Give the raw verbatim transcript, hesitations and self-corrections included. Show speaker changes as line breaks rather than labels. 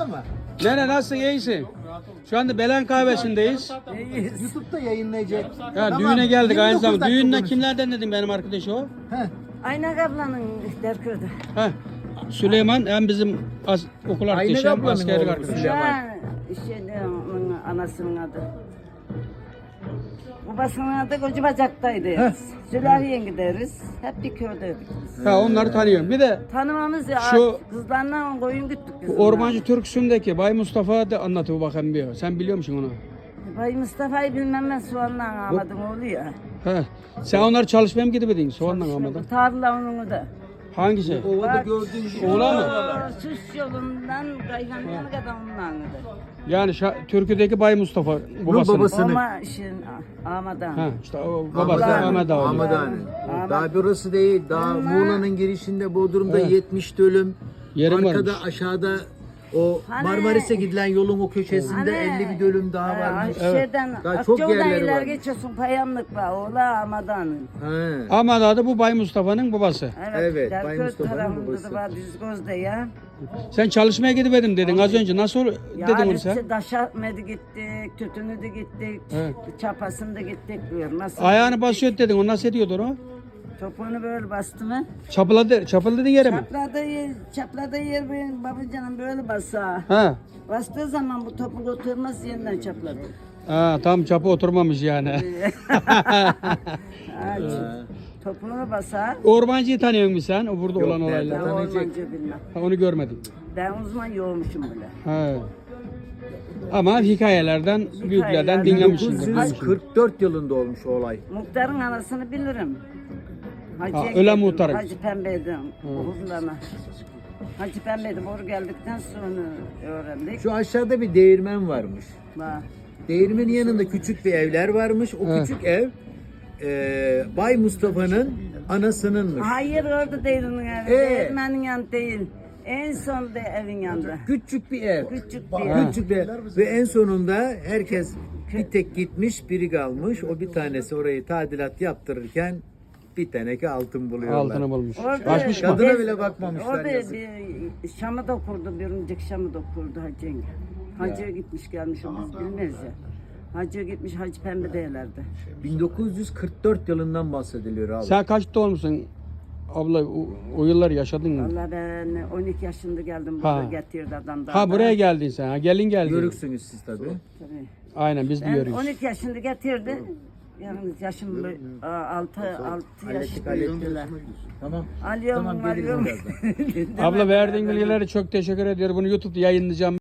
ama.
Nene nasılsın, iyisin? Şu anda Belen kahvesindeyiz.
YouTube'da yayınlayacak.
Ya
Tamam,
düğüne geldik
yirmi
aynı
dokuz
zamanda.
dakika
Düğünle
konuş.
kimlerden dedim benim arkadaş o?
Heh.
Aynak ablanın Derköy'de.
Heh. Süleyman hem bizim as- okul arkadaşı hem
ablanın
askerlik
oğlu
arkadaşı.
Süleyman.
Ya işte onun anasının adı. Babasının adı Koca Bacak'taydı. Sülahiye gideriz. Hep bir köydeydik biz.
Ha onları tanıyorum. Bir de
Tanımamız ya.
Şu-
Kızlarla koyun gittik biz.
Ormancı Türk'sündeki Bay Mustafa da anlatıyor bakayım bir. Sen biliyor musun onu?
Bay Mustafa'yı bilmem ben soğanla ağamadım oğlu ya.
He. Sen onları çalışmaya mı gidebedin? Soğanla almadan.
Tarla onun da.
Hangisi?
Ovada
Bak,
gördüğün gibi.
Oğlan mı?
şu Süs yolundan Kayhanlı'ya kadar onunla gider.
Yani şa- Türkiye'deki Bay Mustafa babasının.
babası. Sınıf.
Ama işin Ahmet'den.
Ha, işte o babası
Ahmet
Ahmet abi.
Ahmet Ağa'nın.
Ahmet.
Daha burası değil. Daha Muğla'nın girişinde Bodrum'da
Evet.
yetmiş dönüm.
Yerim
Arkada
varmış.
aşağıda o
Hani-
Marmaris'e gidilen yolun o köşesinde
Hani,
elli bir dönüm daha
e,
varmış.
Şeyden,
Daha çok
Akçaoğlu'dan
yerleri
ileri
var.
geçiyorsun Payanlık var. Oğla Ahmet'den.
He.
Ahmet adı bu Bay Mustafa'nın babası.
Evet,
Derköy
Bay Mustafa'nın
tarafında
babası.
da var Düzgöz'de ya.
Sen çalışmaya gidemedim dedin az önce. Nasıl
Ya
dedin onu
biz
sen?
işte Daşatmedi gittik, Tütünü de gittik,
Evet.
Çapasını da gittik diyor. Nasıl?
Ayağını basıyor dedin. O nasıl ediyordu onu?
Topuğunu böyle bastı mı?
Çapıladı, çapıladı yere mi?
Çapladığı yer, çapladığı yer benim babacanım böyle basa.
Ha.
Bastığı zaman bu topuk oturmaz yeniden çapladı.
Ha, tam çapı oturmamış yani.
Ha, topuğunu basar.
Ormancıyı tanıyor musun sen? O burada
Yok,
olan
ben
Ben
olaylar.
tanıyacak.
ormancı bilmem.
Ha, onu görmedim.
Ben uzman yoğurmuşum bile.
Ha. Ama hikayelerden, büyüklerden
Hikayelerden.
dinlemişsindir.
bin dokuz yüz kırk dört yılında olmuş o olay.
Muhtarın anasını bilirim. Hacı'ya
Ha, ölen
gittim,
muhtarın.
Hacı Pembe'ydim. Oğuzlarına. Hacı Pembe'ydim. Oraya geldikten sonra öğrendik.
Şu aşağıda bir değirmen varmış.
Bak.
Değirmenin yanında küçük bir evler varmış. O
Evet.
küçük ev e, Bay Mustafa'nın anasınınmış.
Hayır orada değil onun evi.
Ee?
Değirmenin yanı değil. En son da evin yanında.
Küçük bir ev.
Küçük bir ev.
Küçük bir ev. Ve en sonunda herkes bir tek gitmiş, biri kalmış. O bir tanesi orayı tadilat yaptırırken bir teneke altın buluyorlar.
Altını bulmuş.
Orada-
Açmış mı?
Kadına
Biz-
bile bakmamışlar
Orada
yazık.
bir Şam'ı da kurdu, bir önceki Şam'ı da kurdu Hacı yenge. Hacı'ya gitmiş gelmiş o biz bilmez ya. Hacı'ya gitmiş Hacı Pembe değerlerdi.
bin dokuz yüz kırk dört yılından bahsediliyor abi.
Sen kaçta olmuşsun? Abla o, o yıllar yaşadın mı?
Vallahi ben on iki yaşında geldim
Ha.
burada getirdi adam da.
Ha buraya geldin sen. Ha, gelin geldin.
Yörüksünüz siz tabii.
Tabii.
Aynen biz de
Ben
yörüyüz.
on iki yaşında getirdi. Yalnız yaşım altı altı yaş
Hallettik
büyüdüler.
hallettik. Tamam.
Alıyorum
Tamam geliriz
alıyorum.
birazdan.
Abla verdiğin bilgileri çok teşekkür ediyorum. Bunu YouTube'da yayınlayacağım.